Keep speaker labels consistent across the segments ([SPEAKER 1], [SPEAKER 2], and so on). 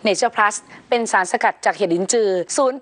[SPEAKER 1] Nature Plus เป็นสารสกัดจากเห็ดลิ้นจือ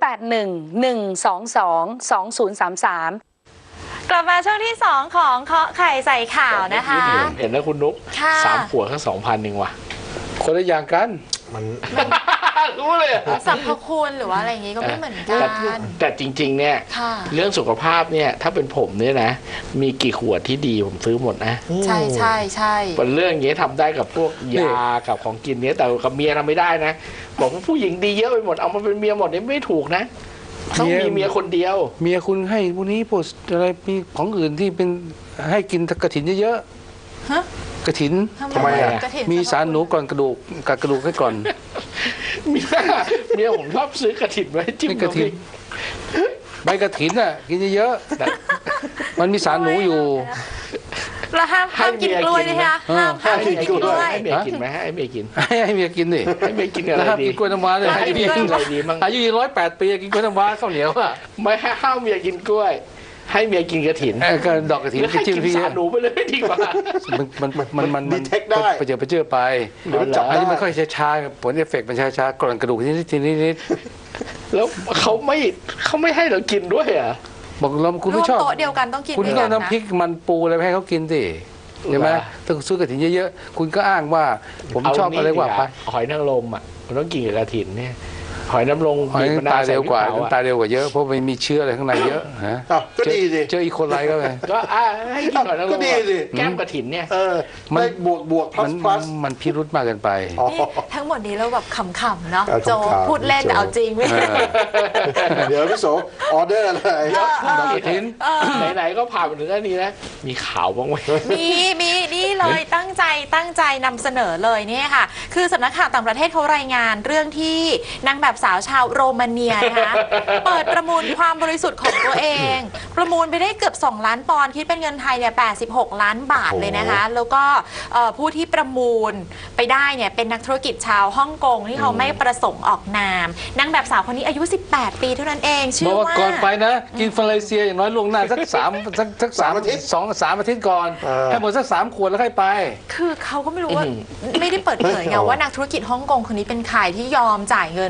[SPEAKER 1] 0811222033
[SPEAKER 2] กลับมาช่วงที่ 2 ของเคาะไข่ใส่ข่าวนะคะ
[SPEAKER 3] เห็นนะคุณนุ๊ก3 ขวดก็ 2,000 เองว่ะ
[SPEAKER 4] คนละอย่างกัน
[SPEAKER 3] มันรู้เลย
[SPEAKER 2] สรรพคุณหรือว่าอะไรอย่างงี้ก็ไม่เหมือนกัน
[SPEAKER 3] แต่จริงๆเนี่ยเรื่องสุขภาพเนี่ยถ้าเป็นผมเนี่ยนะมีกี่ขวดที่ดีผมซื้อหมดนะ
[SPEAKER 2] ใช่ใช่ใช่
[SPEAKER 3] เป็นเรื่องอย่างนี้ทำได้กับพวกยากับของกินเนี้ยแต่กับเมียทำไม่ได้นะบอกว่าผู้หญิงดีเยอะไปหมดเอามาเป็นเมียหมดนี่ไม่ถูกนะต้องมีเมียคนเดียว
[SPEAKER 4] เมียคุณให้พวกนี้พวกอะไรมีของอื่นที่เป็นให้กินกระถินเยอะๆกระถิน
[SPEAKER 3] ทำไมอ่ะ
[SPEAKER 4] มีสารหนูก่อนกระดูกกัดกระดูกให้ก่อน
[SPEAKER 3] เมียผมชอบซื้อกระถินไว้จิ้มกระถิน
[SPEAKER 4] ใบกระถินอ่ะกินเยอะๆมันมีสารหนูอยู่
[SPEAKER 2] แล้วห้ามกินกล้วยเลยค่ะห้ามกินกล้วย
[SPEAKER 3] ให้เมียกินไหมให้เมียกิน
[SPEAKER 4] ให้เมียกินดิ
[SPEAKER 3] ให้เมียกินอะไรดี
[SPEAKER 4] ห้ามกินกล้วยน้ำว้าเลยให้เมียกินอะไรดีมั้งอายุ108 ปีกินกล้วยน้ำว้าข้าวเหนียวอ่ะ
[SPEAKER 3] ไม่ให้ห้ามเมียกินกล้วยให้เมียกินกระถิน
[SPEAKER 4] ก็ดอกกระถิน
[SPEAKER 3] ให้กินสารหนูไปเลยดีกว่า
[SPEAKER 4] มัน
[SPEAKER 3] ดีเทคได้
[SPEAKER 4] ไปเจอไปอันนี้มันค่อยช้าผลเอฟเฟกต์มันช้าๆก่อนกระดูกนิด
[SPEAKER 3] แล้วเขาไม่ให้เรากินด้วยอ่ะ
[SPEAKER 4] บอกเราคุณไม่ชอบ
[SPEAKER 2] โต๊ะเดียวกันต้องกิน
[SPEAKER 4] คุณก็น้ำพริกมันปูอะไรให้เขากินสิใช่ไหมถ้าซื้อกระถินเยอะๆคุณก็อ้างว่าผมชอบอะไรว่าไป
[SPEAKER 3] หอยนางรมอ่ะมันต้องกินกับกระถินเนี่ยหอยน้ำลง
[SPEAKER 4] หอยตายเร็วกว่าตายเร็วกว่าเยอะเพราะมันมีเชื้ออะไรข้างในเยอะฮะ
[SPEAKER 3] ก็ดีสิ
[SPEAKER 4] เจออีโคไลก็ไป
[SPEAKER 3] ก็ให้กินหอยนางรมก็ดีสิแก้มกระถินเนี่ย
[SPEAKER 4] มันบวกมันพิรุธมากเกินไป
[SPEAKER 2] ทั้งหมดนี้เราแบบขำๆเนาะโจพูดเล่นแต่เอาจริงไม่
[SPEAKER 3] เดี๋ยวพี่โสออเดอร์อะไรดอกกระถินไหนๆก็ผ่านมาถึงอันนี้นะมีข่าวบ้างไหม
[SPEAKER 2] มีนี่เลยตั้งใจนำเสนอเลยเนี่ยค่ะคือสำนักข่าวต่างประเทศเขารายงานเรื่องที่นางแบบสาวชาวโรมาเนียนะคะเปิดประมูลความบริสุทธิ์ของตัวเองประมูลไปได้เกือบ2 ล้านปอนด์คิดเป็นเงินไทยเนี่ย86 ล้านบาทเลยนะคะแล้วก็ผู้ที่ประมูลไปได้เนี่ยเป็นนักธุรกิจชาวฮ่องกงที่เขาไม่ประสงค์ออกนามนางแบบสาวคนนี้อายุ18 ปีเท่านั้นเองชื่อว่า
[SPEAKER 4] ก่อนไปนะกินฟาเลเซียอย่างน้อยล่วงหน้าสัก3 อาทิตย์2-3 อาทิตย์ก่อนให้หมดสัก3 ขวดแล้วค่อยไป
[SPEAKER 2] คือเขาก็ไม่รู้ว่าไม่ได้เปิดเผยไงว่านักธุรกิจฮ่องกงคนนี้เป็นใครที่ยอมจ่ายเงิน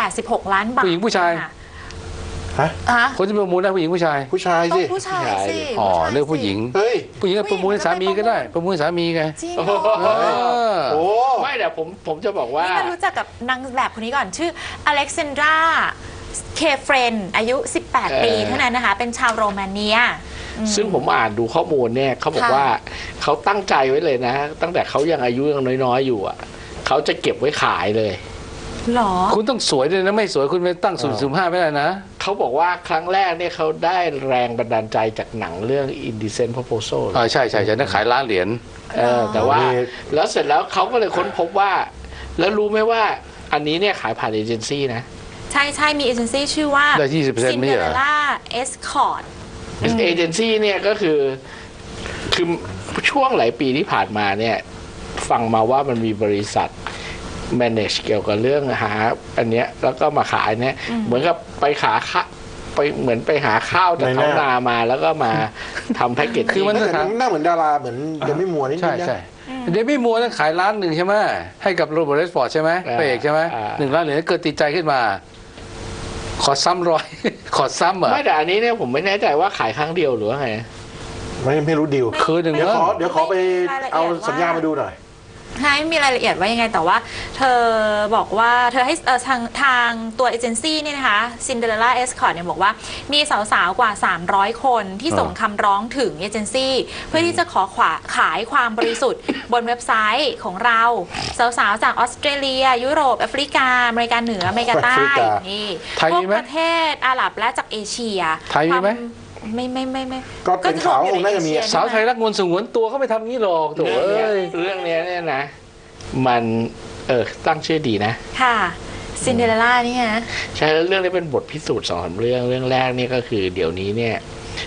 [SPEAKER 2] 86 ล้านบาท
[SPEAKER 4] ผู้หญิงผู้ชายคนที่ประมูลได้ผู้หญิงผู้ชาย
[SPEAKER 3] ผู้ชายสิ
[SPEAKER 2] ผู้ชายสิ
[SPEAKER 4] อ๋อเรื่องผู้หญิงผู้หญิงประมูลให้สามีก็ได้ประมูลให้สามีไง
[SPEAKER 2] จริง
[SPEAKER 3] โอ้ไม่แต่ผมจะบอกว่า
[SPEAKER 2] นี่มารู้จักกับนางแบบคนนี้ก่อนชื่ออเล็กซานดราเคเฟรนอายุ18 ปีเท่านั้นนะคะเป็นชาวโรมาเนีย
[SPEAKER 3] ซึ่งผมอ่านดูข้อมูลเนี่ยเขาบอกว่าเขาตั้งใจไว้เลยนะตั้งแต่เขายังอายุยังน้อยๆอยู่อ่ะเขาจะเก็บไว้ขายเลย
[SPEAKER 2] หรอ
[SPEAKER 4] คุณต้องสวยเลยนะไม่สวยคุณไปตั้ง0.05ไม่ได้นะ
[SPEAKER 3] เขาบอกว่าครั้งแรกเนี่ยเขาได้แรงบันดาลใจจากหนังเรื่อง Indecent Proposal
[SPEAKER 4] ใช่นั่นขายล้านเหรียญ
[SPEAKER 3] แต่ว่าแล้วเสร็จแล้วเขาก็เลยค้นพบว่าแล้วรู้ไหมว่าอันนี้เนี่ยขายผ่านเอเจนซี่นะ
[SPEAKER 2] ใช่มีเอเจนซี่ชื่อว่า Cinderella Escort
[SPEAKER 3] เอเจนซี่เนี่ยก็คือช่วงหลายปีที่ผ่านมาเนี่ยฟังมาว่ามันมีบริษัทmanage เกี่ยวกับเรื่องหาอันเนี้ยแล้วก็มาขายเนี่ยเหมือนกับไปเหมือนไปหาข้าวจากท้องนามาแล้วก็มาทำแพ็กเกจ
[SPEAKER 4] คือมัน
[SPEAKER 3] น่าเหมือนดาราเหมือนเดมี่มัวนี่
[SPEAKER 4] ใช่เดมี่มัวนั้นขาย1 ล้านใช่ไหมให้กับโรเบิร์ตเรดฟอร์ดใช่ไหมพระเอกใช่ไหม1 ล้านเหรียญเกิดติดใจขึ้นมาขอซ้ำ100ขอซ้ำเหรอ
[SPEAKER 3] ไม่แต่อันนี้เนี่ยผมไม่แน่ใจว่าขายครั้งเดียวหรือว่าไงไม่รู้ดีล
[SPEAKER 4] คืนหนึ่ง
[SPEAKER 3] เดี๋ยวขอไปเอาสัญญามาดูหน่อย
[SPEAKER 2] ไม่มีรายละเอียดว่ายังไงแต่ว่าเธอบอกว่าเธอให้ทางตัวเอเจนซี่นี่นะคะ Cinderella Escort เนี่ยบอกว่ามีสาวๆกว่า300 คนที่ส่งคำร้องถึงเอเจนซี่เพื่อที่จะขายความบริสุทธิ์บนเว็บไซต์ของเราสาวๆจากออสเตรเลียยุโรปแอฟริกาอเมริกาเหนืออเมริกาใต้นี่พวกประเทศอาหรับและจากเอเชีย
[SPEAKER 4] ไทยมีไหม
[SPEAKER 2] ไม่
[SPEAKER 3] ก็เป็นข่าวน่าจะมี
[SPEAKER 4] สาวไทยรักงวนสงวนตัวเขาไม่ทำงี้หรอกตัว
[SPEAKER 3] เรื่องนี้เนี่ยนะมันตั้งชื่อดีนะ
[SPEAKER 2] ค่ะซินเดอเรลล่านี่ฮะ
[SPEAKER 3] ใช่แล้วเรื่องนี้เป็นบทพิสูจน์2-3 เรื่องแรกนี่ก็คือเดี๋ยวนี้เนี่ยข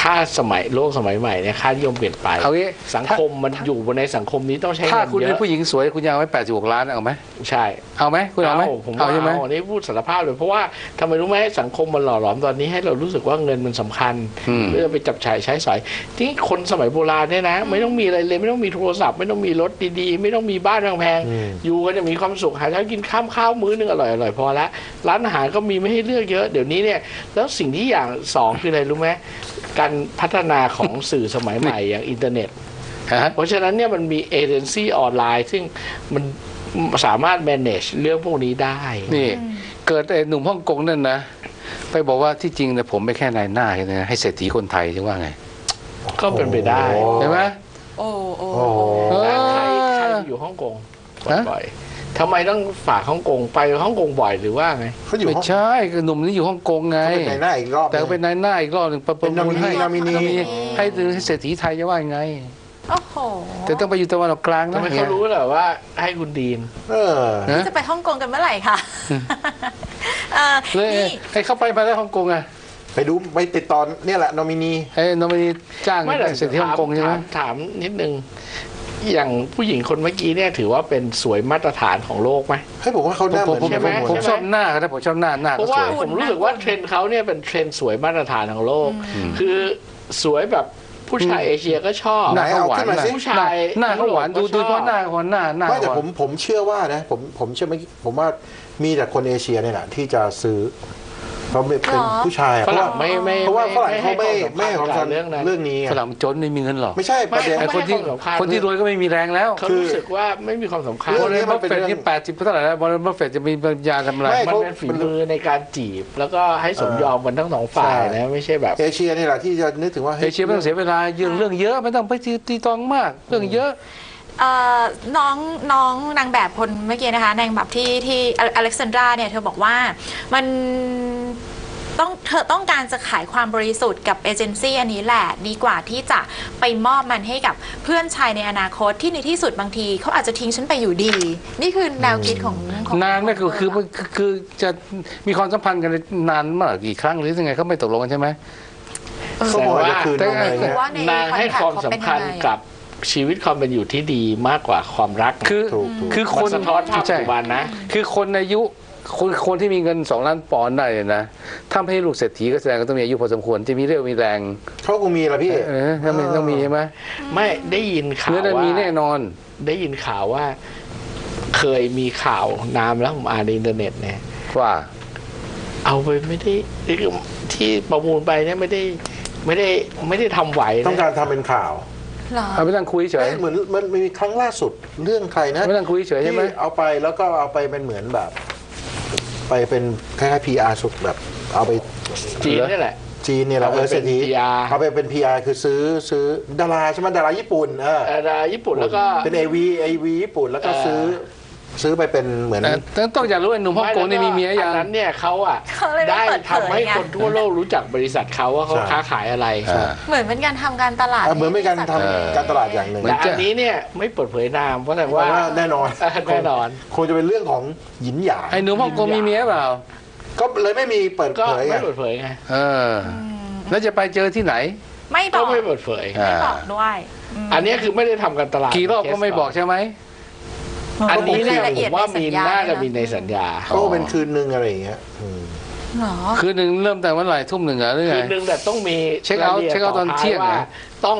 [SPEAKER 3] ค่าโลกสมัยใหม่เนี่ยค่านิยมเปลี่ยนไป
[SPEAKER 4] เอางี้
[SPEAKER 3] สังคมมันอยู่ในสังคมนี้ต้องใช้
[SPEAKER 4] ถ้า
[SPEAKER 3] เงิน
[SPEAKER 4] คุณ
[SPEAKER 3] เย
[SPEAKER 4] เป็น
[SPEAKER 3] อะ
[SPEAKER 4] ผู้หญิงสวยคุณยาวไว้86 ล้านเอาไหม
[SPEAKER 3] ใช่
[SPEAKER 4] เอาไหมคุณเอาไหม
[SPEAKER 3] ผม
[SPEAKER 4] เอา
[SPEAKER 3] ว่า
[SPEAKER 4] ใช่ไหม
[SPEAKER 3] อันนี้พูดสารภาพเลยเพราะว่าทำไมรู้ไหมสังคมมันหล่อหลอมตอนนี้ให้เรารู้สึกว่าเงินมันสำคัญเพื่อไปจับจ่ายใช้สอยที่คนสมัยโบราณเนี่ยนะ ไม่ต้องมีอะไรเลยไม่ต้องมีโทรศัพท์ไม่ต้องมีรถดีๆไม่ต้องมีบ้านแพงๆอยู่กันจะมีความสุขหาเช้ากินข้าวมื้อนึงอร่อยๆพอละร้านอาหารก็มีไม่ให้เลือกเยอะเดี๋ยวนี้เนี่ยแล้วสิ่งที่อย่างสองคืออะไรรู้ไหมการพัฒนาของสื่อสมัยใหม่อย่างอินเทอร์เน็ต เพราะฉะนั้นเนี่ยมันมีเอเจนซี่ออนไลน์ซึ่งมันสามารถ manage เรื่องพวกนี้ได้
[SPEAKER 4] นี่เกิดไอ้หนุ่มฮ่องกงนั่นนะไปบอกว่าที่จริงเนี่ยผมไม่แค่นายหน้านะให้เศรษฐีคนไทยจะว่าไง
[SPEAKER 3] ก็เป็นไปได้
[SPEAKER 4] ใช่ไหม
[SPEAKER 2] โอ้โอ้
[SPEAKER 3] แล้วใครอยู่ฮ่องกงบ่อยๆทำไมต้องฝากฮ่องกงไปฮ่องกงบ่อยหรือว่าไง
[SPEAKER 5] เขาอยู่
[SPEAKER 4] ไม่
[SPEAKER 5] ห้อง
[SPEAKER 4] ใช่หนุ่มนี่อยู่ฮ่องกงไง
[SPEAKER 5] เขาเป็นในหน้าอีกรอบ
[SPEAKER 4] แต่ก็เป็นนายหน้าอีกรอบหนึ่งประมูลให้
[SPEAKER 5] นอมินี
[SPEAKER 4] ให้เศรษฐีไทยจะว่ายังไง
[SPEAKER 2] โอ้โห
[SPEAKER 4] แต่ต้องไปอยู่ตะวันออกกลาง
[SPEAKER 3] ทำ
[SPEAKER 4] นะ
[SPEAKER 3] ไมเขารู้เหรอว่าให้คุณดีน
[SPEAKER 4] นะ
[SPEAKER 2] จะไปฮ่องกงกันเมื่อไหร่คะ
[SPEAKER 4] เลย
[SPEAKER 2] นี่
[SPEAKER 4] ให้เข้าไปมาได้ฮ่องกงอะ
[SPEAKER 5] ไปดูไปติดต่อเนี่ยแหละนอมินี
[SPEAKER 4] ไอ้นอมินีจ้าง
[SPEAKER 3] ไม่แต่
[SPEAKER 4] เศรษฐีฮ่องกงใช่ไหม
[SPEAKER 3] ถามนิดนึงอย่างผู้หญิงคนเมื่อกี้เนี่ยถือว่าเป็นสวยมาตรฐานของโลกไหม
[SPEAKER 5] ให้ผมว่าเขาหน้าเหมือน
[SPEAKER 3] ใช่ไหม
[SPEAKER 4] ผมชอบหน้าเขานะผมชอบหน้า
[SPEAKER 3] เพ
[SPEAKER 4] ก็
[SPEAKER 3] ราะ
[SPEAKER 4] ส
[SPEAKER 3] ว่า
[SPEAKER 4] วย
[SPEAKER 3] ผมรู้สึกว่าเทรนด์เขาเนี่ยเป็นเทรนด์สวยมาตรฐานของโลก คือสวยแบบผู้ชายเอเชียก็ชอบ
[SPEAKER 4] หน้าเขาหวาน
[SPEAKER 5] ขึ้นมาสิ
[SPEAKER 3] ผู้ชาย
[SPEAKER 4] หน้าเขาหวานดูเพราะหน้าเขาหน้า
[SPEAKER 5] ไม่แต่
[SPEAKER 4] เขาหวาน
[SPEAKER 5] ผมเชื่อว่านะผมเชื่อไม่ผมว่ามีแต่คนเอเชียเนี่ยแหละที่จะซื้อเพราะเป็นผู้ชาย
[SPEAKER 3] ฝรั่งไม่
[SPEAKER 5] เพราะว่าฝรั่งเขาไม่ให้ความ
[SPEAKER 3] กั
[SPEAKER 5] สำคัญ
[SPEAKER 3] เรื่องนั้น
[SPEAKER 5] เรื่องนี้ไง
[SPEAKER 4] ฝรั่งจนไม่มีเงินหรอก
[SPEAKER 5] ไม่ใช่ประเด็น
[SPEAKER 3] ไม่
[SPEAKER 4] ไอ้คนที่
[SPEAKER 3] ให้ความสำคัญ
[SPEAKER 4] คนที่รวยก็ไม่มีแรงแล้ว
[SPEAKER 3] เขารู้สึกว่าไม่มีความสำคัญ
[SPEAKER 5] เรื่
[SPEAKER 4] บ
[SPEAKER 5] อง
[SPEAKER 4] ริ
[SPEAKER 5] นี้
[SPEAKER 4] ษัท
[SPEAKER 5] มันเป็น
[SPEAKER 4] เฟด
[SPEAKER 5] เรื่อง
[SPEAKER 4] ที่80เท่าไหร่แล้วบริษัทเฟดจะมีปัญญาทำอะไร
[SPEAKER 5] ไม่
[SPEAKER 3] มันเป็นฝีมือในการจีบ แล้วก็ให้สมยอมกันทั้งสองฝ่ายนะไม่ใช่แบบ
[SPEAKER 5] เอเชียนี่แหละที่จะนึกถึงว่า
[SPEAKER 4] เอเชียไม่ต้องเสียเวลาเรื่องเยอะไม่ต้องไปตีตองมากเรื่องเยอะ
[SPEAKER 2] น้องนางแบบคนเมื่อกี้นะคะนางแบบที่อเล็กซานดราเนี่ยเธอบอกว่ามันเธอต้องการจะขายความบริสุทธิ์กับเอเจนซี่อันนี้แหละดีกว่าที่จะไปมอบมันให้กับเพื่อนชายในอนาคตที่ในที่สุดบางทีเขาอาจจะทิ้งฉันไปอยู่ดี นี่คือแนวคิดของ
[SPEAKER 4] นานไหมคือจะมีความสัมพันธ์กันนานมากกี่ครั้งหรือยังไงเขาไม่ตกลงกันใช่ไหม
[SPEAKER 5] เขาบอกจะคืน
[SPEAKER 4] แต่
[SPEAKER 5] นมอะไร
[SPEAKER 2] คือ
[SPEAKER 5] เงี้ย
[SPEAKER 2] ว่าใน
[SPEAKER 3] นางให้ความสำคัญกับชีวิตความเป็นอยู่ที่ดีมากกว่าความรัก
[SPEAKER 4] คือค
[SPEAKER 3] มัน นสะท้อนภาพปัจจุบันนะ
[SPEAKER 4] คือคนอายุคนที่มีเงิน2 ล้านปอนด์ได้เนี่ยนะถ้าไม่ให้ลูกเศรษฐีก็แสดงก็ต้องมีอายุพอสมควรจะมีเรี่ยวมีแรง
[SPEAKER 5] เขาคงมีละพี่
[SPEAKER 4] ถ้าไม่ต้องมีใช่ไหม
[SPEAKER 3] ไม่ได้ยินข่าว
[SPEAKER 4] เนื้อได้
[SPEAKER 3] ว่า
[SPEAKER 4] มีแน่นอน
[SPEAKER 3] ได้ยินข่าวว่า เคยมีข่าวนามแล้วผมอ่านในอินเทอร์เน็ตเนี่ย
[SPEAKER 4] ว่า
[SPEAKER 3] เอาไปไม่ได้ที่ประมูลไปเนี่ยไม่ได้ทำไหว
[SPEAKER 5] ต้อง
[SPEAKER 3] นะ
[SPEAKER 5] การทำเป็นข่าว
[SPEAKER 2] เหรอ
[SPEAKER 4] เอาไปนั่งคุยเฉย
[SPEAKER 5] เหมือนมันมีครั้งล่าสุดเรื่องใครนะ
[SPEAKER 4] ไม่นั่งคุยเฉยใช่ไหม
[SPEAKER 5] ที่เอาไปแล้วก็เอาไปเป็นเหมือนแบบ ไปเป็นคล้ายๆ PR สุดแบบ เอาไป
[SPEAKER 3] จีนนี่แหละ
[SPEAKER 5] จีนเนี่ยแหละ
[SPEAKER 3] เอาไปเป็น PR
[SPEAKER 5] เอาไปเป็น PR คือซื้อดาราใช่ไหมดาราญี่ปุ่น
[SPEAKER 3] ญี่ปุ่นแล้วก็
[SPEAKER 5] เป็น AV ญี่ปุ่นแล้วก็ซื้อไปเป็นเหมือน
[SPEAKER 4] แต่ต้องอยากรู้ไอ้หนุ่มฮ่องกงนี่มีเมียยัง
[SPEAKER 3] อันนั้นเนี่ยเขาอ่ะ
[SPEAKER 2] เขาเลยไม่
[SPEAKER 3] ได้
[SPEAKER 2] เปิดเผย
[SPEAKER 3] ทำให้
[SPEAKER 2] ไง
[SPEAKER 3] คนทั่วโลกรู้จักบริษัทเขาว่าเขาค้าขายอะไร
[SPEAKER 2] เหมือนเป็นการทำการตลาด
[SPEAKER 5] เหมือนเป็นการทำการตลาดอย่างหนึ่ง
[SPEAKER 3] แต่อันนี้เนี่ยไม่เปิดเผยนามเพราะแต่
[SPEAKER 5] ว่า
[SPEAKER 3] ว่า
[SPEAKER 5] แน่นอน
[SPEAKER 3] แน่นอน
[SPEAKER 5] คงจะเป็นเรื่องของหยินหยาง
[SPEAKER 4] ไอ้หนุ่มฮ่องกงมีเมียเปล่า
[SPEAKER 5] ก็เลยไม่มีเปิด
[SPEAKER 3] ก็
[SPEAKER 5] เผยไง
[SPEAKER 3] ไม่เปิดเผยไง
[SPEAKER 4] แล้วจะไปเจอที่ไหน
[SPEAKER 2] ไม่บ
[SPEAKER 3] ก็
[SPEAKER 2] อก
[SPEAKER 3] ไม่เปิดเผย
[SPEAKER 2] ไม่บอกด้วยม
[SPEAKER 3] อันนี้คือไม่ได้ทำการตลาด
[SPEAKER 4] กี่รอบก็ไม่บอกใช่ไหม
[SPEAKER 3] อันนี้เนี่ย
[SPEAKER 2] รายละ
[SPEAKER 3] ผ
[SPEAKER 2] เอียด
[SPEAKER 3] มว่า
[SPEAKER 2] ในสั
[SPEAKER 3] มี
[SPEAKER 2] ญญา
[SPEAKER 3] น่าจะ
[SPEAKER 2] ด้วยนะ
[SPEAKER 3] มีในสัญญา
[SPEAKER 5] ก็เป็นคืนนึงอะไรอย่างเงี้ย
[SPEAKER 2] เหรอ
[SPEAKER 4] คืนหนึ่งเริ่มแต่วันไหร่ทุ่มหนึ่งเหรอหรือไง
[SPEAKER 3] คืนนึงแต่ต้องมี
[SPEAKER 4] เช็คเอาท์
[SPEAKER 3] รยละอียด
[SPEAKER 4] เช็คเอาท์ตอนเที่ยง
[SPEAKER 3] ว่า
[SPEAKER 4] นะ
[SPEAKER 3] ต้อง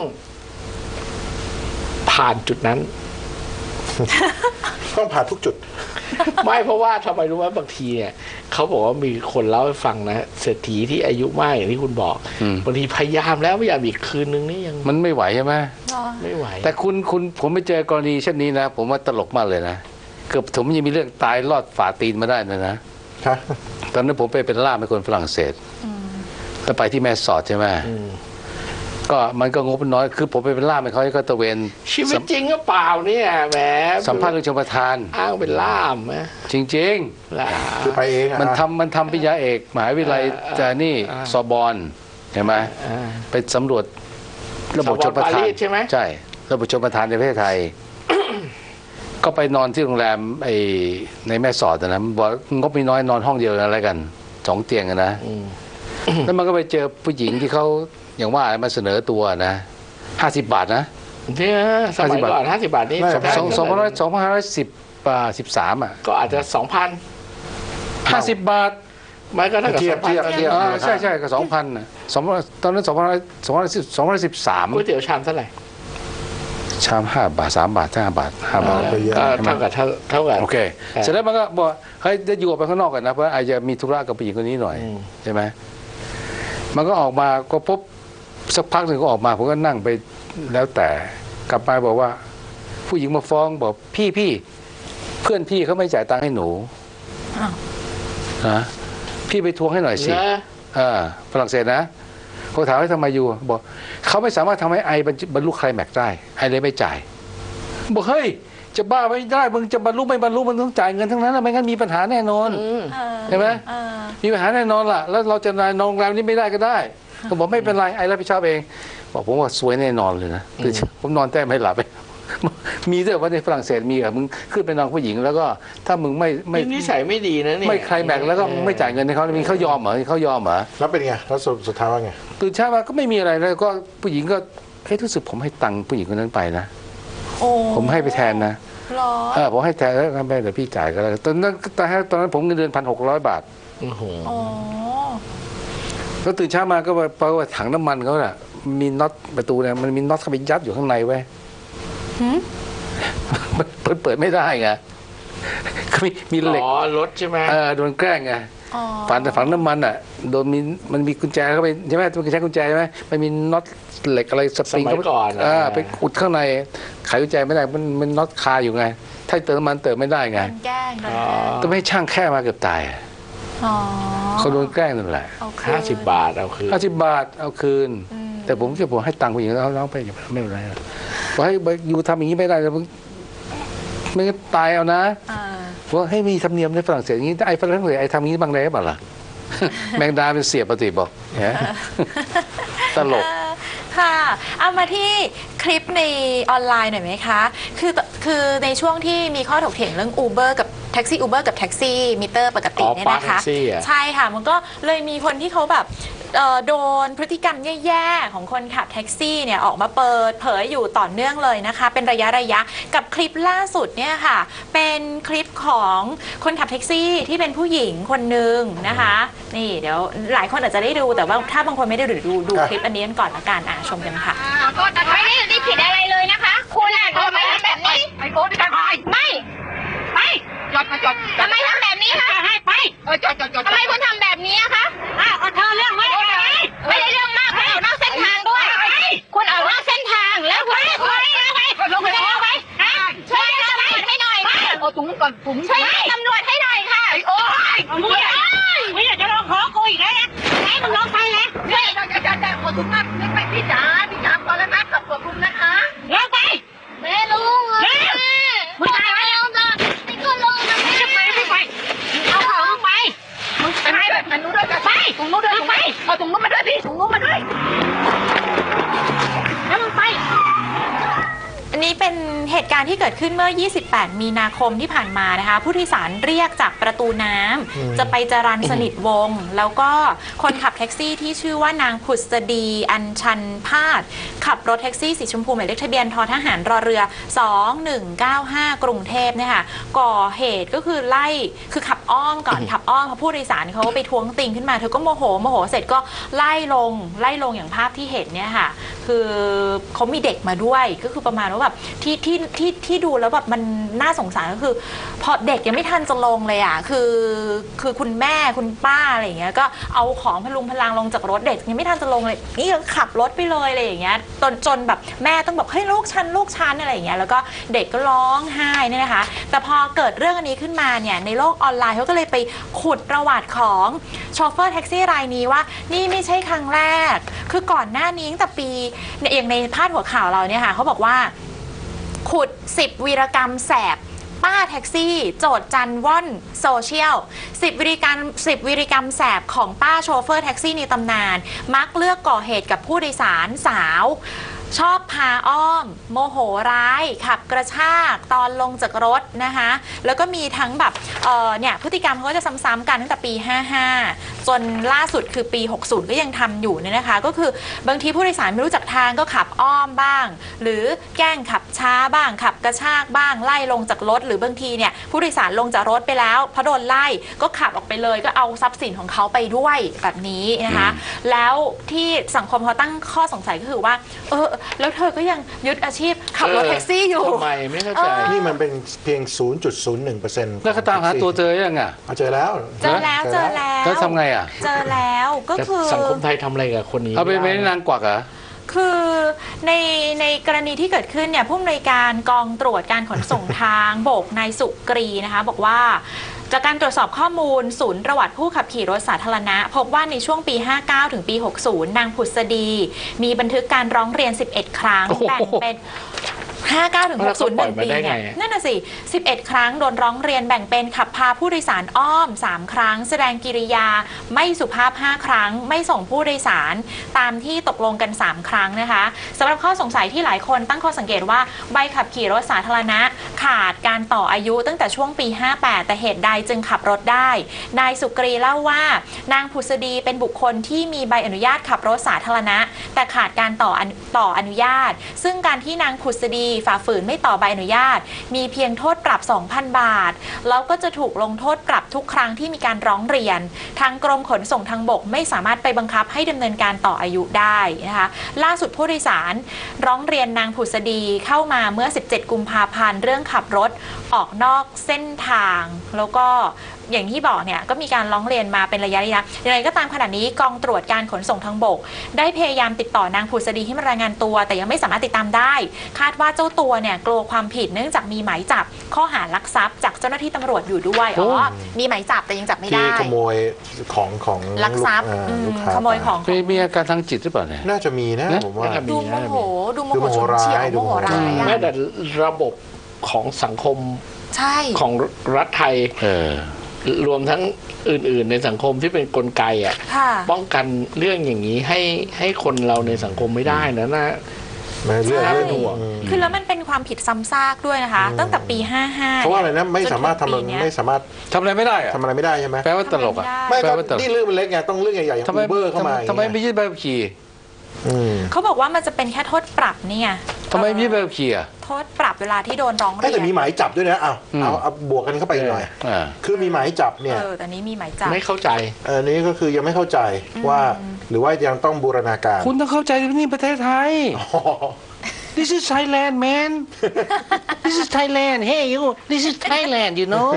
[SPEAKER 3] ผ่านจุดนั้น
[SPEAKER 5] ต้องผ่านทุกจุด
[SPEAKER 3] ไม่เพราะว่าทำไมรู้ไหมบางทีเนี่ยเขาบอกว่ามีคนเล่าให้ฟังนะเศรษฐีที่อายุมากอย่างที่คุณบอกบางทีพยายามแล้วพยายามอีกคืนนึงนี่ยัง
[SPEAKER 4] มันไม่ไหวใช่ไหม
[SPEAKER 3] ไม่ไหว
[SPEAKER 4] แต่ผมไปเจอกรณีเช่นนี้นะ ผมว่าตลกมากเลยนะเกือบผมยังมีเรื่องตายรอดฝ่าตีนมาได้นะ ตอนนั้นผมไปเป็นล่ามให้คนฝรั่งเศสแล้วไปที่แม่สอดใช่ไหมก็มันก็งบน้อยคือผมไปเป็นล่ามให้เขาก็ตะเวน
[SPEAKER 3] ชีวิตจริงก็เปล่าเนี่ยแหม
[SPEAKER 4] สัมภาษณ์เรื่องชมประทาน
[SPEAKER 3] อ้างเป็นล่ามนะ
[SPEAKER 4] จริง
[SPEAKER 3] ล่า
[SPEAKER 5] คือไปเอง
[SPEAKER 4] ๆ มันทำปริญญาเอกมหาวิทยาลัยจะนี่ซอบอนเห็นไหมไปสำรวจระบบชมประทาน
[SPEAKER 3] ใช่ไหม
[SPEAKER 4] ใช่ระบบชมประทานในประเทศไทย ก็ไปนอนที่โรงแรมในแม่สอดนะบอกงบมีน้อยนอนห้องเดียวอะไรกัน2 เตียงนะแล้วมันก็ไปเจอผู้หญิงที่เขาอย่างว่ามาเสนอตัวนะ50 บาทนะ
[SPEAKER 3] เนี่ยสมัยก่อน50 บาทนี่
[SPEAKER 4] 2,113อ่ะ
[SPEAKER 3] ก็อาจจะ
[SPEAKER 4] 50 บาท
[SPEAKER 3] ไม่ก็เท่ากับ
[SPEAKER 5] เทียบ
[SPEAKER 4] ใช่ก็2,000นะตอนนั้น2,113
[SPEAKER 3] ก๋วยเตี๋ยวชามเท่าไหร่
[SPEAKER 4] ชาม5 บาท3 บาท5 บาท5 บาท
[SPEAKER 5] ไปเยอะ
[SPEAKER 3] ก็เท่ากับ
[SPEAKER 4] โอเคเสร็จแล้วมันก็บอกเฮ้ยจะอยู่ออกไปข้างนอกกันนะเพราะอาจจะมีธุระกับผู้หญิงคนนี้หน่อยใช่ไหมมันก็ออกมาก็ปุ๊บสักพักหนึ่งก็ออกมาผมก็นั่งไปแล้วแต่กลับมาบอกว่า ผู้หญิงมาฟ้องบอกพี่เพื่อนพี่เขาไม่จ่ายตังค์ให้หนู
[SPEAKER 2] อ้าว
[SPEAKER 4] นะพี่ไปทวงให้หน่อยสิ
[SPEAKER 3] นะ
[SPEAKER 4] ฝรั่งเศสนะเขาถามว่าทำไมอยู่บอกเขาไม่สามารถทำให้ไอบรรลุไคลแม็กซ์ได้ไอเลยไม่จ่ายบอกเฮ้ยจะบ้าไม่ได้มึงจะบรรลุไม่บรรลุมันต้องจ่ายเงินทั้งนั้นไม่งั้นมีปัญหาแน่นอนใช่ไหมมีปัญหาแน่นอนล่ะแล้วเราจะนอนโรงแรมนี้ไม่ได้ก็ได้เขาบอกไม่เป็นไรไอรับผิดชอบเองบอกผมว่าสวยแน่นอนเลยนะผมนอนแต้มไม่หลับมีด้วยว่าในฝรั่งเศสมีอะมึงขึ้นไปนอนผู้หญิงแล้วก็ถ้ามึงไม่
[SPEAKER 3] นิสัยไม่ดีนะเนี่ย
[SPEAKER 4] ไม่ไคลแม็กซ์แล้วก็ไม่จ่ายเงินให้เขามีเขายอมเหรอเขายอมเหรอ
[SPEAKER 5] แล้วเป็นไงแล้วสุดท้ายว่าไง
[SPEAKER 4] ตื่นเช้ามาก็ไม่มีอะไรแล้วก็ผู้หญิงก็รู้สึกผมให้ตังค์ผู้หญิงคนนั้นไปนะ
[SPEAKER 2] โอ้
[SPEAKER 4] ผมให้ไปแทนนะ
[SPEAKER 2] หรอ
[SPEAKER 4] ผมให้แทนแล้วก็ไม่เดี๋ยวพี่จ่ายก็แล้วตอนนั้นผมเงินเดือน1,600 บาท
[SPEAKER 3] โอ้โห
[SPEAKER 2] อ๋อ
[SPEAKER 4] แล้วตื่นเช้ามาก็ไปว่าถังน้ำมันเขาน่ะมีน็อตประตูเนี่ยมันมีน็อตเข้าไปยัดอยู่ข้างในไว้
[SPEAKER 2] หืม
[SPEAKER 4] มันเปิดไม่ได้ไงก็มีเหล็ก
[SPEAKER 3] อ๋อรถใช่ไหม
[SPEAKER 4] โดนแกล้งไง
[SPEAKER 2] อ๋อ
[SPEAKER 4] ฝังน้ำมันอ่ะโดนมันมีกุญแจเข้าไปใช่ไหมมันใช้กุญแจใช่ไหมมันมีน็อตเหล็กอะไรสป
[SPEAKER 3] ส
[SPEAKER 4] ริง
[SPEAKER 3] มัยก่อน
[SPEAKER 4] ไปอุดข้างในไขกุญแจไม่ได้มันน็อตคาอยู่ไง ถ้าเติมน้ำมันเติมไม่ได้ไง
[SPEAKER 2] โดนแกล้งโดน
[SPEAKER 3] อ๋อ
[SPEAKER 2] แกล้ง
[SPEAKER 4] ต้องให้ช่างแค่มาเกือบตายอะ
[SPEAKER 2] อ๋อ
[SPEAKER 4] เขาโดนแกล้งนั่นแหละ
[SPEAKER 2] โอเค
[SPEAKER 3] 50 บาทเอาคืน
[SPEAKER 4] 50 บาทเอาคืน แต่ผมให้ตังค์ผู้หญิงแล้วน้องไปไม่เป็นไรบอกให้อยู่ทำอย่างนี้ไม่ได้แล้วมึงไม่งั้นตายเอานะ ว่าให้มีธรรมเนียมในฝรั่งเศสอย่างนี้ไอ้ฝรั่งเศสไอ้ทำอย่างนี้บ้างได้เปล่าล่ะ แมงดาเป็นเสียบปฏิบอกตลก
[SPEAKER 2] ค่ะเอามาที่คลิปในออนไลน์หน่อยไหมคะคือในช่วงที่มีข้อถกเถียงเรื่อง Uber กับแท็กซี่ Uber กับแท็กซี่มิเตอร์ปกติเนี่ยนะคะ ใช่ค่ะมันก็เลยมีคนที่เขาแบบโดนพฤติกรรมแย่ๆของคนขับแท็กซี่เนี่ยออกมาเปิดเผยอยู่ต่อเนื่องเลยนะคะเป็นระยะกับคลิปล่าสุดเนี่ยค่ะเป็นคลิปของคนขับแท็กซี่ที่เป็นผู้หญิงคนหนึ่งนะคะนี่เดี๋ยวหลายคนอาจจะได้ดูแต่ว่าถ้าบางคนไม่ได้ดูคลิปอันนี้กันก่อนละกันชมกันค่ะ
[SPEAKER 6] ก็ไม่ได้ผิดอะไรเลยนะคะ คุณอ่ะทำไมทำแบบนี้ไอ้โอ๊ตจะไปไม่จอดทำไมทำแบบนี้คะให้ไปจอดทำไมคุณทำแบบนี้คะเธอเรื่องไม่ได้เรื่องมากคุณออกนอกเส้นทางด้วยคุณออกนอกเส้นทางแล้วคุณลงไปแล้วไปช่วยตำรวจให้หน่อยค่ะถุงก่อนถุงช่วยตำรวจให้หน่อยค่ะโอ้ยไม่อยากจะลองขอกูอีกแล้วให้มึงลองไปแล้วจะขอถุงมากไปพี่จ๋าก่อนแล้วนะขอบคุณนะคะลงไปไม่รู้มึงตายไปแล้วจ้ะนี่ก็ลงนะไม่ไปเอาของไปมึงไปให้แบบนั้นนู้นด้วยไปถุงนู้นด้วยไปเอาถุงนู้นมาด้วยพี่ถุงนู้นมาด้วยแล้วมึงไป
[SPEAKER 2] อันนี้เป็นเหตุการณ์ที่เกิดขึ้นเมื่อ 28 มีนาคมที่ผ่านมานะคะผู้โดยสารเรียกจากประตูน้ำจะไปจรัญสนิทวงศ์แล้วก็คนขับแท็กซี่ที่ชื่อว่านางผุษดีอัญชันพาดขับรถแท็กซี่สีชมพูหมายเลขทะเบียนททหารรอเรือ 2195 กรุงเทพเนี่ยค่ะก่อเหตุก็คือไล่คือขับอ้อมก่อนขับอ้อมเพราะผู้โดยสารเขาไปทวงติงขึ้นมาเธอก็โมโหเสร็จก็ไล่ลงอย่างภาพที่เห็นเนี่ยค่ะคือเขามีเด็กมาด้วยก็คือประมาณว่าแบบที่ดูแล้วแบบมันน่าสงสารก็คือพอเด็กยังไม่ทันจะลงเลยอ่ะคือคุณแม่คุณป้าอะไรอย่างเงี้ยก็เอาของพลุงพลังลงจากรถเด็กยังไม่ทันจะลงเลยนี่ก็ขับรถไปเลยอะไรอย่างเงี้ยจนแบบแม่ต้องแบบเฮ้ยลูกฉันอะไรอย่างเงี้ยแล้วก็เด็กก็ร้องไห้เนี่ยนะคะแต่พอเกิดเรื่องอันนี้ขึ้นมาเนี่ยในโลกออนไลน์เขาก็เลยไปขุดประวัติของโชเฟอร์แท็กซี่รายนี้ว่านี่ไม่ใช่ครั้งแรกคือก่อนหน้านี้ตั้งแต่ปีอย่างในพาดหัวข่าวเราเนี่ยค่ะเขาบอกว่าขุด10วีรกรรมแสบป้าแท็กซี่โจทย์จันว่อนโซเชียล10วีรกรรมแสบของป้าโชเฟอร์แท็กซี่ในตำนานมักเลือกก่อเหตุกับผู้โดยสารสาวชอบพาอ้อม โมโหร้าย ขับกระชากตอนลงจากรถนะคะแล้วก็มีทั้งแบบเนี่ยพฤติกรรมเขาก็จะซ้ำๆกันตั้งแต่ปี 55 จนล่าสุดคือปี 60 ก็ยังทำอยู่เนี่ยนะคะก็คือบางทีผู้โดยสารไม่รู้จักทางก็ขับอ้อมบ้าง หรือแกล้งขับช้าบ้างขับกระชากบ้างไล่ลงจากรถหรือบางทีเนี่ยผู้โดยสารลงจากรถไปแล้วพอโดนไล่ก็ขับออกไปเลยก็เอาทรัพย์สินของเขาไปด้วยแบบนี้นะคะแล้วที่สังคมเขาตั้งข้อสงสัยก็คือว่าแล้วเธอก็ยังยึดอาชีพขับรถแท็กซี่อยู่
[SPEAKER 3] ทำไมไม่เข้าใจ
[SPEAKER 5] นี่มันเป็นเพียง 0.01%
[SPEAKER 4] แล้วเขาตามหาตัวเจอยังอ่ะ
[SPEAKER 5] เจอแล้ว
[SPEAKER 4] แล้วทำไงอ่ะ
[SPEAKER 2] เจอแล้วก็คือ
[SPEAKER 3] สังคมไทยทำอะไรกับคนนี้
[SPEAKER 4] เอาไปไม่นางกวักเหรอ
[SPEAKER 2] คือในกรณีที่เกิดขึ้นเนี่ยผู้อำนวยการกองตรวจการขนส่งทางบกนายสุกรีนะคะบอกว่าจากการตรวจสอบข้อมูลศูนย์ประวัติผู้ขับขี่รถสาธารณะพบว่าในช่วงปี 59 ถึงปี 60 นางผุษดีมีบันทึกการร้องเรียน 11 ครั้งแบ่งเป็น59 ถึง 60 1 ปีเนี่ยนั่นน่ะสิ11 ครั้งโดนร้องเรียนแบ่งเป็นขับพาผู้โดยสารอ้อม3 ครั้งแสดงกิริยาไม่สุภาพ5 ครั้งไม่ส่งผู้โดยสารตามที่ตกลงกัน3 ครั้งนะคะสำหรับข้อสงสัยที่หลายคนตั้งข้อสังเกตว่าใบขับขี่รถสาธารณะขาดการต่ออายุตั้งแต่ช่วงปี 58 แต่เหตุใดจึงขับรถได้นายสุกรีเล่าว่านางผุษดีเป็นบุคคลที่มีใบอนุญาตขับรถสาธารณะแต่ขาดการต่ออนุญาตซึ่งการที่นางผุษดีฝ่าฝืนไม่ต่อใบอนุญาตมีเพียงโทษปรับ 2,000 บาทแล้วก็จะถูกลงโทษปรับทุกครั้งที่มีการร้องเรียนทางกรมขนส่งทางบกไม่สามารถไปบังคับให้ดำเนินการต่ออายุได้นะคะล่าสุดผู้โดยสารร้องเรียนนางผุษดีเข้ามาเมื่อ 17 กุมภาพันธ์เรื่องขับรถออกนอกเส้นทางแล้วก็อย่างที่บอกเนี่ยก็มีการร้องเรียนมาเป็นระยะอย่างไรก็ตามขณะนี้กองตรวจการขนส่งทางบกได้พยายามติดต่อนางผุษดีให้มารายงานตัวแต่ยังไม่สามารถติดตามได้คาดว่าเจ้าตัวเนี่ยกลัวความผิดเนื่องจากมีหมายจับข้อหาลักทรัพย์จากเจ้าหน้าที่ตำรวจอยู่ด้วยมีหมายจับแต่ยังจับไม่ได้
[SPEAKER 5] ขโมยของ
[SPEAKER 2] ลักทรัพย์ขโมยของ
[SPEAKER 4] มีอาการทางจิตหรือเปล่าเนี่ย
[SPEAKER 5] น่าจะมีนะผมว่า
[SPEAKER 2] ดูโมโหฉุนเฉียวโมโหร้าย
[SPEAKER 3] แม้แต่ระบบของสังคมของรัฐไทยรวมทั้งอื่นๆในสังคมที่เป็นกลไกป้องกันเรื่องอย่างนี้ให้คนเราในสังคมไม่ได้นะ
[SPEAKER 5] เรื่อง
[SPEAKER 2] ห่วงคือแล้วมันเป็นความผิดซ้ำซากด้วยนะคะตั้งแต่ปี 55
[SPEAKER 5] เพราะว่าอะไรนะไม่สามารถทำ
[SPEAKER 4] อะไรไม่ได้
[SPEAKER 5] ทำอะไรไม่ได้ใช่ไหม
[SPEAKER 4] แปลว่าตลก
[SPEAKER 5] ไม่ครับนี่เรื่องมันเล็กไงต้องเรื่องใหญ่ๆอย่างอูเบอร์เข้ามา
[SPEAKER 4] ทำไมไม่ยึดใบขับขี่
[SPEAKER 2] เขาบอกว่ามันจะเป็นแค่โทษปรับนี่ไง
[SPEAKER 4] ทำไมไม่ยึดใบขับขี่
[SPEAKER 2] โทษปรับเวลาที่โดนร้องเรียน
[SPEAKER 5] แต่มีหมายจับด้วยนะเอาบวกกันเข้าไปหน่อยคือมีหมายจับเนี่ย
[SPEAKER 2] แต่นี้มีหมายจับ
[SPEAKER 3] ไม่เข้าใจ
[SPEAKER 5] นี้ก็คือยังไม่เข้าใจว่าหรือว่ายังต้องบูรณาการ
[SPEAKER 4] คุณต้องเข้าใจนี่ประเทศไทยThis is Thailand, man. This is Thailand. Hey, you. This is Thailand, you know.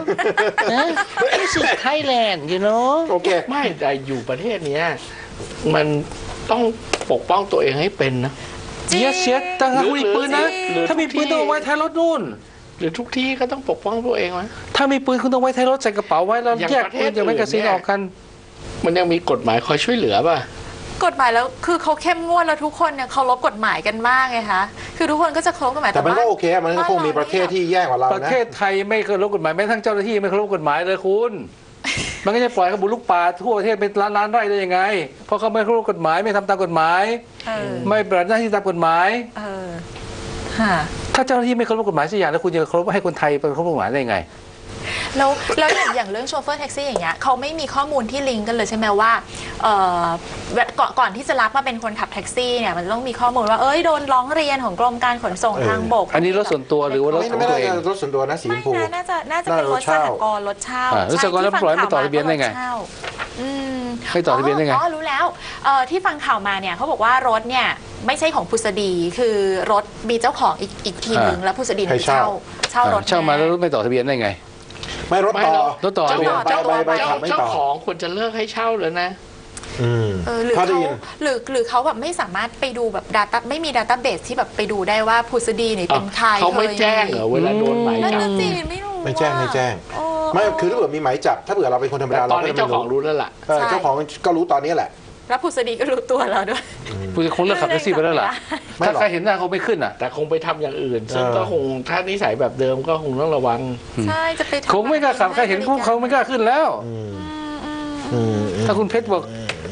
[SPEAKER 4] This is Thailand, you know.
[SPEAKER 5] โอเค
[SPEAKER 3] ไม่แต่อยู่ประเทศนี้มันต้องปกป้องตัวเองให้เป็นนะ
[SPEAKER 4] เสียตั้งแต่คุณมีปืนนะถ้ามีปืนต้องไว้ท้ายรถนู่น
[SPEAKER 3] หรือทุกที่ก็ต้องปกป้องตัวเองนะ
[SPEAKER 4] ถ้ามีปืนคุณต้องไว้ท้ายรถใส่กระเป๋าไว้แล้วแยกปืนอย่างไม่กระสินออกกัน
[SPEAKER 3] มันยังมีกฎหมายคอยช่วยเหลือป่ะ
[SPEAKER 2] กฎหมายแล้วคือเขาเข้มงวดแล้วทุกคนเนี่ยเคารพกฎหมายกันมากไงคะคือทุกคนก็จะเคารพกฎหมาย
[SPEAKER 5] แต่มันก็โอเคมันก็คงมีประเทศที่แย่กว่าเรานะ
[SPEAKER 4] ประเทศไทยไม่เคารพกฎหมายแม้ทั้งเจ้าหน้าที่ไม่เคารพกฎหมายเลยคุณมันก็จะปล่อยเขาบุกลุกป่าทั่วประเทศเป็นล้านไร่ได้ยังไงเพราะเขาไม่เคารพกฎหมายไม่ทำตามกฎหมายไม่ปฏิบัติหน้าที่ตามกฎหมายถ้าเจ้าหน้าที่ไม่เคารพกฎหมายสักอย่างแล้วคุณจะเคารพให้คนไทยเป็นเคารพกฎหมายได้ยังไง
[SPEAKER 2] แล้วอย่างเรื่องโชเฟอร์แท็กซี่อย่างเงี้ยเขาไม่มีข้อมูลที่ลิงก์กันเลยใช่ไหมว่าก่อนที่จะรับมาเป็นคนขับแท็กซี่เนี่ยมันต้องมีข้อมูลว่าโดนร้องเรียนของกรมการขนส่งทางบก
[SPEAKER 4] อันนี้รถส่วนตัวหรือว่ารถของตัวเอง
[SPEAKER 5] รถส่วนตัวนะสีชมพู
[SPEAKER 2] น่าจะเป็นรถสหกรณ์รถเช่าร
[SPEAKER 4] ถสหกรณ์แล้วปล่อยไม่ต่อทะเบียนได้ไงไม่ต่อทะเบียนได้ไง
[SPEAKER 2] รู้แล้วที่ฟังข่าวมาเนี่ยเขาบอกว่ารถเนี่ยไม่ใช่ของผุษดีคือรถมีเจ้าของอีกทีนึงแล้วผุษดีเช่ารถ
[SPEAKER 4] เช่ามาแล้วรถไม่ต่อทะเบียนได้ไง
[SPEAKER 5] ไม่รถต่อ
[SPEAKER 4] เ
[SPEAKER 3] จ้าของควรจะเลิกให้เช่าเลยนะ
[SPEAKER 2] หรือเขาแบบไม่สามารถไปดูแบบ data ไม่มี database ที่แบบไปดูได้ว่าผุษดีนี่เป็นใคร
[SPEAKER 3] เขาไม่แจ้งเหรอเวลาโดนหมายจับ
[SPEAKER 2] ไม่
[SPEAKER 5] แจ้งไม่คือถ้าเกิดมีหมายจับถ้าเกิดเราเป็นคนธรรมดา
[SPEAKER 3] ตอนนี้เจ้าของรู้แล้วล่ะ
[SPEAKER 5] เจ้าของก็รู้ตอนนี้แหละ
[SPEAKER 2] แล้วผุษดีก็รู้ตัวเราด้วย
[SPEAKER 4] ผู้คงเลิกขับแท็กซี่ไปแล้วล่ะถ้าใครเห็นหน้าเขาไม่ขึ้นอ่ะ
[SPEAKER 3] แต่คงไปทำอย่างอื่นซึ่งก็คงถ้านิสัยแบบเดิมก็คงต้องระวัง
[SPEAKER 2] ใช่จะไป
[SPEAKER 4] คงไม่กล้าขับใครเห็นพวกเขาไม่กล้าขึ้นแล้วถ้าคุณเพชรบอก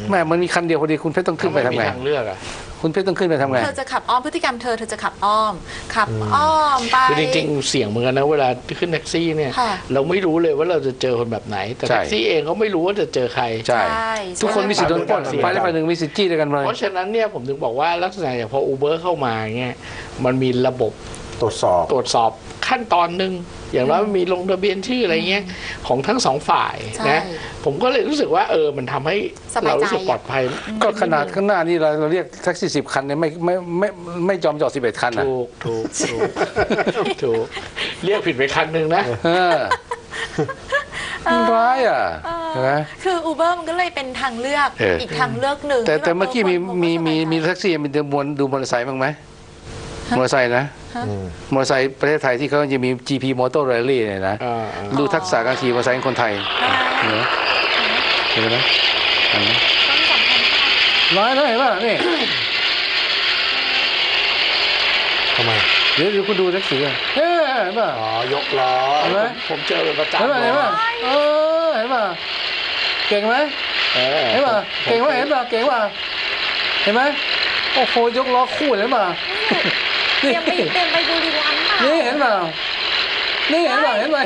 [SPEAKER 4] แม่มันมีคันเดียวพอดีคุณเพชรต้องขึ้นไปทำไง
[SPEAKER 3] ม่มีทางเลือกอะ
[SPEAKER 4] คุณเพชรต้องขึ้นไปทำไง
[SPEAKER 2] เธอจะขับอ้อมพฤติกรรมเธอจะขับอ้อมขับอ้อมไป
[SPEAKER 3] คือจริงๆเสี่ยงเหมือนกันนะเวลาขึ้นแท็กซี่เนี่ย
[SPEAKER 2] ค่ะ
[SPEAKER 3] เราไม่รู้เลยว่าเราจะเจอคนแบบไหน แต่
[SPEAKER 4] ใช่
[SPEAKER 3] แท็กซี่เองก็ไม่รู้ว่าจะเจอใคร
[SPEAKER 4] ใช่ ทุกคนมีสิทธิ์โดนปล้น
[SPEAKER 3] เสี่ยง
[SPEAKER 4] ไปได้ไปหนึ่งมีสิทธิ์จี้ด้วยกันเลย
[SPEAKER 3] เพราะฉะนั้นเนี่ยผมถึงบอกว่าลักษณะอย่างพอ Uber เข้ามาเนี่ยมันมีระบบ
[SPEAKER 5] ตรวจสอบ
[SPEAKER 3] ตรวจสอบขั้นตอนหนึ่งอย่างน้อยมีลงทะเบียนชื่ออะไรเงี้ยของทั้งสองฝ่าย
[SPEAKER 2] ใช่
[SPEAKER 3] นะผมก็เลยรู้สึกว่ามันทำให้
[SPEAKER 2] สบายใจ
[SPEAKER 3] เรารู้สึกปลอดภัย
[SPEAKER 4] ก็ขนาดข้างหน้านี่เราเรียกแท็กซี่10 คันเนี่ยไม่ยอมจอด11 คันนะ
[SPEAKER 3] ถูกเรียกผิดไปคันหนึ่งนะ
[SPEAKER 4] มันร้ายอ่ะใช่ไหม
[SPEAKER 2] คือ Uber มันก็เลยเป็นทางเลือก อีกทางเลือกหนึ่ง
[SPEAKER 4] แต่
[SPEAKER 2] ที่แบบ
[SPEAKER 4] เมื่อกี้มีแท็กซี่มีดูมอเตอร์ไซค์บ้างไหมมอเตอร์ไซค์นะมอเตอร์ไซค์ประเทศไทยที่เขาจะมี GP Motor Rally เนี่ยนะดูทักษะการขี่มอเตอร์ไซค์ของคนไทยเห็นไหมเห็นไหมร้ายนะเห็นป่ะนี่
[SPEAKER 5] ทำไม
[SPEAKER 4] เดี๋ยวคุณดูแท็กซี่อ่ะเห็นป่ะ
[SPEAKER 5] อ๋อยกล้อ
[SPEAKER 4] เห็นไหม
[SPEAKER 3] ผมเจอเป็นประจำ
[SPEAKER 4] เห็นป่ะเห็นป่ะเห็นป่ะเก่งไหมเห็นป่ะเก่งไหมเห็นป่ะเก่งป่ะเห็นไหมโอ้โหยกล้อคู่เห็นป่ะ
[SPEAKER 2] เตรียมไปดูดีลันค่ะ
[SPEAKER 4] นี่เห็นป่ะนี่เห็นป่ะเห็นป่ะ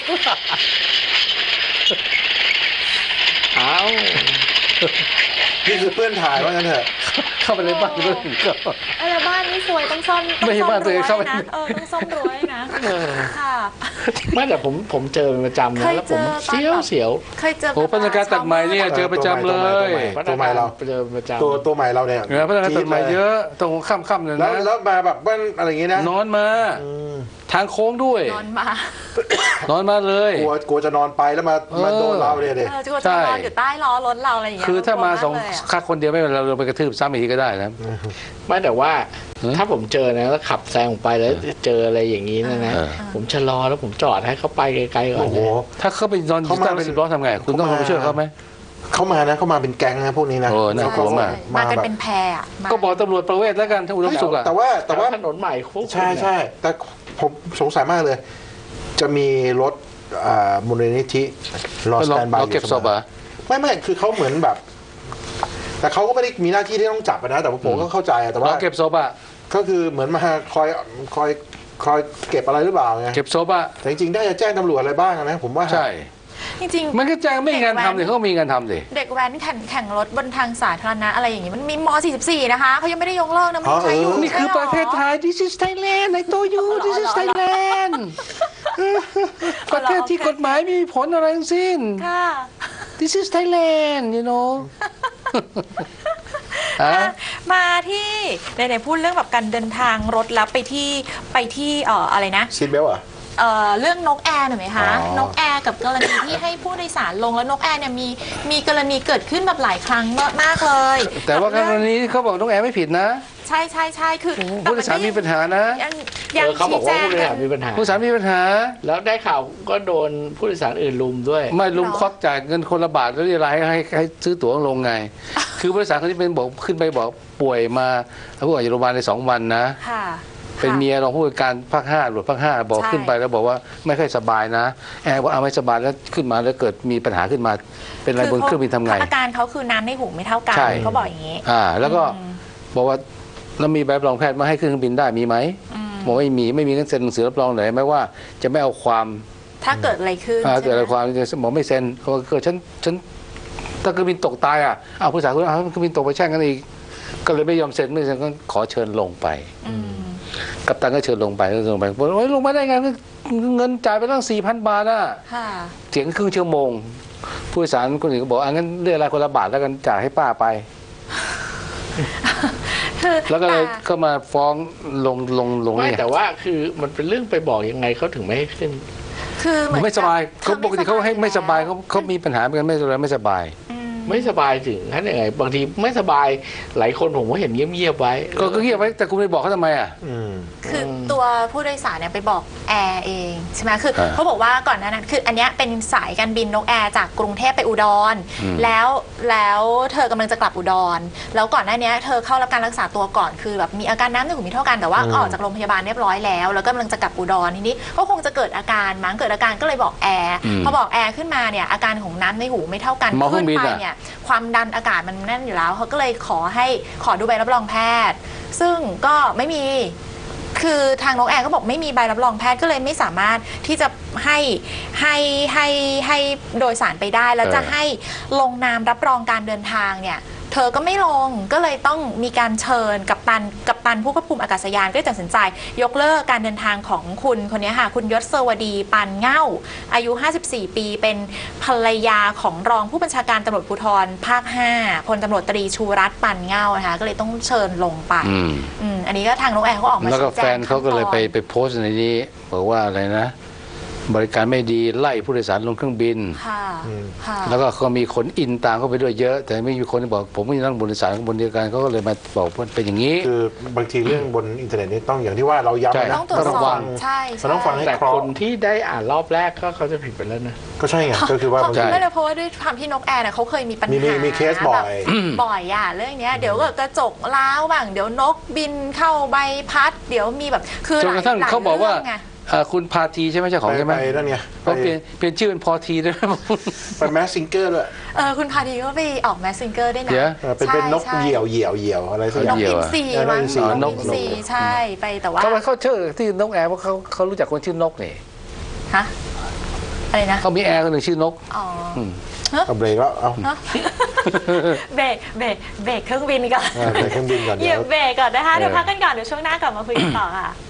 [SPEAKER 3] อ้าว
[SPEAKER 5] นี่คือเพื่อนถ่ายว่างั้นเถอะ
[SPEAKER 4] เข้าไปในบ้านเพื่อนก็
[SPEAKER 2] แล้วบ้านนี้สวยต้องซ่อม
[SPEAKER 4] ไม่ใช่บ้านตัวเองเข้าไป
[SPEAKER 2] นะต้องซ่อมรั้วนะค่ะ
[SPEAKER 3] ไม่แต่ผมเจอเป็นประจำนะ
[SPEAKER 2] เคย
[SPEAKER 3] แล้วผม
[SPEAKER 2] เจอตอน
[SPEAKER 3] เสียว
[SPEAKER 2] เคยเจอ
[SPEAKER 4] โอ้พนักงานตัดใหม่เนี่ยเจอประจำเลย
[SPEAKER 5] ตัวใหม่เรา
[SPEAKER 3] เจอเป็นประจำ
[SPEAKER 5] ตัวใหม่เราเนี่ย
[SPEAKER 4] พนักงานตัดใหม่เยอะตรงค่ำๆเลย
[SPEAKER 5] แล้ว
[SPEAKER 4] นะ
[SPEAKER 5] แล้วมาแบบบ้านอะไรอย่างงี้นะ
[SPEAKER 4] นอนมาทางโค้งด้วย
[SPEAKER 2] นอนมา
[SPEAKER 4] นอนมาเลย
[SPEAKER 5] กลัวจะนอนไปแล้วมาโดนเราเนี่ยเด็
[SPEAKER 2] จะนอนอยู่ใต้ล้อรถเราอะไรอย่างเงี้ย
[SPEAKER 4] คือถ้ามาสอง
[SPEAKER 2] กลัวกเลยะ
[SPEAKER 4] ค่าคนเดียวไม่เป็นไรเราไปกระทืบซ้ำอีกทีก็ได้นะ
[SPEAKER 3] ไม่แต่ว่าถ้าผมเจอนะแล้วขับแซงออกไปแล้วเจออะไรอย่างนี้นะ ผมชะลอแล้วผมจอดให้เขาไปไกลๆก่อน
[SPEAKER 5] โอ้โห
[SPEAKER 3] นะ
[SPEAKER 4] ถ้าเขาไปนอนอยู่ใต้รถ10 ล้อทำไงคุณต้องลงไปช่วยเขาไหม
[SPEAKER 5] เข้ามานะเข้ามาเป็นแก๊งนะพวกนี้นะ
[SPEAKER 4] โอ้น่ากลัวมาก
[SPEAKER 2] มากัน
[SPEAKER 5] แบบ
[SPEAKER 2] เป็นแพรอะมา
[SPEAKER 4] ก็บอกตำรวจประเวศแล้วกันถ้าอุดมสุขอ่ะ
[SPEAKER 5] แต่ว่า
[SPEAKER 3] ถนนใหม่คุก
[SPEAKER 5] ใช่ใช่แต่ผมสงสัยมากเลย จะมีรถมูลนิธิรอสแตนบาย
[SPEAKER 4] เราเก็บศพอ่ะ
[SPEAKER 5] ไม่คือเขาเหมือนแบบ แต่เขาก็ไม่ได้มีหน้าที่ที่ต้องจับนะแต่ว่าผมก็เข้าใจอะแต่ว่า
[SPEAKER 4] เราเก็บศพอ่ะ
[SPEAKER 5] ก็คือเหมือนมาคอยเก็บอะไรหรือเปล่าไง
[SPEAKER 4] เก็บศพอ่ะ
[SPEAKER 5] แต่จริงๆได้จะแจ้งตำรวจอะไรบ้างนะผมว่า
[SPEAKER 4] ใช่
[SPEAKER 2] จริงๆ
[SPEAKER 4] มันก็แจ้งไม่มีงานทำเลยเขาก็มีงานทำสิ
[SPEAKER 2] เด็กแว้นแข่งรถบนทางสาธารณะอะไรอย่างงี้มันมีม .44 นะคะเขายังไม่ได้ยกเลิกนะมันยังใช้อยู่
[SPEAKER 4] นี่คือประเทศไทย This is Thailand ไอ้โตยู This is Thailand ประเทศที่กฎหมายไม่มีผลอะไรทั้งสิ้น
[SPEAKER 2] ค่ะ
[SPEAKER 4] This is Thailand you know
[SPEAKER 2] มาที่ไหนๆพูดเรื่องแบบการเดินทางรถแล้วไปที่อะไรนะ
[SPEAKER 5] ซีทเบลอ่ะ
[SPEAKER 2] เรื่องนกแอร์หน่อยไหมคะ
[SPEAKER 5] อ๋อ
[SPEAKER 2] นกแอร์กับกรณีที่ให้ผู้โดยสารลงแล้วนกแอร์เนี่ยมีกรณีเกิดขึ้นแบบหลายครั้งมากเลย
[SPEAKER 4] แต่ว่ากรณีเขาบอกน้องแอร์ไม่ผิดนะ
[SPEAKER 2] ใช่คือ
[SPEAKER 4] ผู้โดยสารมีปัญหานะ
[SPEAKER 2] ยัง
[SPEAKER 3] เขาบอกว่าผู้โดย
[SPEAKER 2] กั
[SPEAKER 3] สารมีปัญหา
[SPEAKER 4] ผู้โดยสารมีปัญหา
[SPEAKER 3] แล้วได้ข่าวก็โดนผู้โดยสารอื่นลุมด้วย
[SPEAKER 4] ไม่ลุมควักจ่ายเงินคนละบาทแล้วเรียกรายให้ซื้อตั๋วลงไง คือผู้โดยสารคนที่เป็นบอกขึ้นไปบอกป่วยมาแล้วผู้ออกจากโรงพยาบาลใน2 วันนะ
[SPEAKER 2] ค่ะ
[SPEAKER 4] เป็นเมียรองผู้การภาค5ตำรวจภาค5บอก
[SPEAKER 2] ใช่
[SPEAKER 4] ขึ้นไปแล้วบอกว่าไม่ค่อยสบายนะแอร์บอกเอาไม่สบายแล้วขึ้นมาแล้วเกิดมีปัญหาขึ้นมา เป็นอะไรบนเครื่องบินทำไง
[SPEAKER 2] อาการเขาคือน้ำในหูไม่เท่ากัน
[SPEAKER 4] ใช่
[SPEAKER 2] เขาบอกอย่างนี้
[SPEAKER 4] แล้วก็บอกว่าแล้วมีใบรับรองแพทย์มาให้ขึ้นเครื่องบินได้มีไหมบอกไม่มีงั้นเซ็นหนังสือรับรองหน่อยไหมว่าจะไม่เอาความ
[SPEAKER 2] ถ้าเกิดอะไรขึ้น
[SPEAKER 4] เกิดอะไร
[SPEAKER 2] ใช่ห
[SPEAKER 4] ความบอกไม่เซ็นเพราะเกิดฉันถ้าเครื่องบินตกตายเอาผู้สาวคนนั้นเครื่องบินตกไปแช่งกันอีกก็เลยไม่ยอมเซ็นไม่เซ็นก็ขอเชิญลงไป กัปตันก็เชิญลงไปบอกว่าลงมาได้ไงเงินจ่ายไปตั้ง 4,000 บาทอ่ะ
[SPEAKER 2] ค่ะ
[SPEAKER 4] เสียงครึ่งชั่วโมง ผู้โดยสารคนอื่นก็บอกงั้นเรียกอะไรคนละบาทแล้วกันจ่ายให้ป้าไป
[SPEAKER 2] คือ
[SPEAKER 4] แล้วก็เลย
[SPEAKER 2] แต่
[SPEAKER 4] ก็มาฟ้องลง
[SPEAKER 3] ไม่
[SPEAKER 4] เนี่ย
[SPEAKER 3] แต่ว่าคือมันเป็นเรื่องไปบอกยังไงเขาถึงไม่ให้ขึ้น
[SPEAKER 2] คือเห
[SPEAKER 4] ผมไม่สบายเขาปกติเขาให้ไม่สบาย
[SPEAKER 2] แล้ว
[SPEAKER 4] เขามีปัญหาเหมือนกันไม่สบาย
[SPEAKER 3] ไม่สบายถึงขั้นยังไงบางทีไม่สบายหลายคนผมก็เห็นเงียบๆไว้
[SPEAKER 4] ก็เงียบไว้แต่คุณไปบอกเขาทำไมอ่ะ
[SPEAKER 2] คือตัวผู้โดยสารเนี่ยไปบอกแอร์เองใช่ไหมคือ
[SPEAKER 4] อ่า
[SPEAKER 2] เขาบอกว่าก่อนหน้านั้นคืออันเนี้ยเป็นสายการบินนกแอร์จากกรุงเทพไปอุดรแล้วเธอกำลังจะกลับอุดรแล้วก่อนหน้านี้เธอเข้ารับการรักษาตัวก่อนคือแบบมีอาการน้ำในหูไม่เท่ากันแต่ว่าออกจากโรงพยาบาลเรียบร้อยแล้วแล้วก็กำลังจะกลับอุดรทีนี้ก็คงจะเกิดอาการมั้งเกิดอาการก็เลยบอกแอร์พอบอกแอร์ขึ้นมาเนี่ยอาการของน้ำในหูไม่เท่ากัน
[SPEAKER 4] หมอเครื่
[SPEAKER 2] ขึ้
[SPEAKER 4] อน งบิน
[SPEAKER 2] ไป
[SPEAKER 4] อะ
[SPEAKER 2] เนี่ยความดันอากาศมันแน่นอยู่แล้วเขาก็เลยขอดูใบรับรองแพทย์ ซึ่งก็ไม่มีคือทางนกแอร์ก็บอกไม่มีใบรับรองแพทย์ก็เลยไม่สามารถที่จะให้โดยสารไปได้แล้วจะให้ลงนามรับรองการเดินทางเนี่ยเธอก็ไม่ลงก็เลยต้องมีการเชิญกัปตันผู้ควบคุมอากาศยานก็ตัดสินใจยกเลิกการเดินทางของคุณคนนี้ค่ะคุณยศเสวดีปันเง่าอายุ54ปีเป็นภรรยาของรองผู้บัญชาการตำรวจภูธรภาค5พลตำรวจตรีชูรัตน์ปันเง่านะคะก็เลยต้องเชิญลงไปอันนี้ก็ทางนกแอร์เขาออกมาชี้แจง
[SPEAKER 4] แล้วก็แฟนเขาก็เลยไปโพสต์ในนี้บอกว่าอะไรนะบริการไม่ดีไล่ผู้โดยสารลงเครื่องบินแล้วก็เขามีคนอินตามเข้าไปด้วยเยอะ แต่ไม่มีคนที่บอกผมไม่นั่งบนโดยสารบนเดียวกันเขาก็เลยมาบอกว่าเป็นอย่างนี้
[SPEAKER 5] คือบางทีเรื่องบนอินเทอร์เน็ตนี่ต้องอย่างที่ว่าเราย้ำนะ
[SPEAKER 2] ต้องตรวจสอบใช่
[SPEAKER 5] มันต้องฟังให้
[SPEAKER 3] แต่
[SPEAKER 5] ครบ
[SPEAKER 3] คนที่ได้อ่านรอบแรกก็เขาจะผิดไปแล้วนะ
[SPEAKER 5] ก็ใช่ไงก็คือว่าบางที
[SPEAKER 2] ไม่เลยเพราะว่าด้วยความที่นกแอร์เนี่ยเขาเคยมีปัญหามี
[SPEAKER 5] เคสบ่อย
[SPEAKER 2] บ่อยอ่ะเรื่องเนี้ยเดี๋ยวก็กระจกล้าวบ้างเดี๋ยวนกบินเข้าใบพัดเดี๋ยวมีแบบคือ
[SPEAKER 4] จนกระทั่งเขาบอกว่าคุณพาทีใช่ไหมเจ้าของใช่ไหม
[SPEAKER 5] ไปนั่นไง
[SPEAKER 4] เขาเปลี่ยนชื่อเป็นพอทีด้วย
[SPEAKER 5] ไปแมสซิงเกอร์ด้วย
[SPEAKER 2] คุณพาทีก็ไปออกแมสซิงเกอร์ได้นะ
[SPEAKER 5] เป็นนกเหยี่ยวอะไรสักอย่าง
[SPEAKER 2] นกอินทรีมั้งนกอินทรีใช่ไปแต่ว่า
[SPEAKER 4] เขาชื่อที่นกแอร์เพราะเขารู้จักคนชื่อนกนี่
[SPEAKER 2] ฮะอะไรนะ
[SPEAKER 4] เขามีแอร์คนหนึ่งชื่อนก
[SPEAKER 5] เอาเบรกแล้วเอา
[SPEAKER 2] เบรกเครื่องบินก่อน
[SPEAKER 5] เบรกเครื่องบินก่อน
[SPEAKER 2] เหยียบเบรกก่อนนะคะเดี๋ยวพักกันก่อนเดี๋ยวช่วงหน้ากลับมาคุยกันต่อค่ะ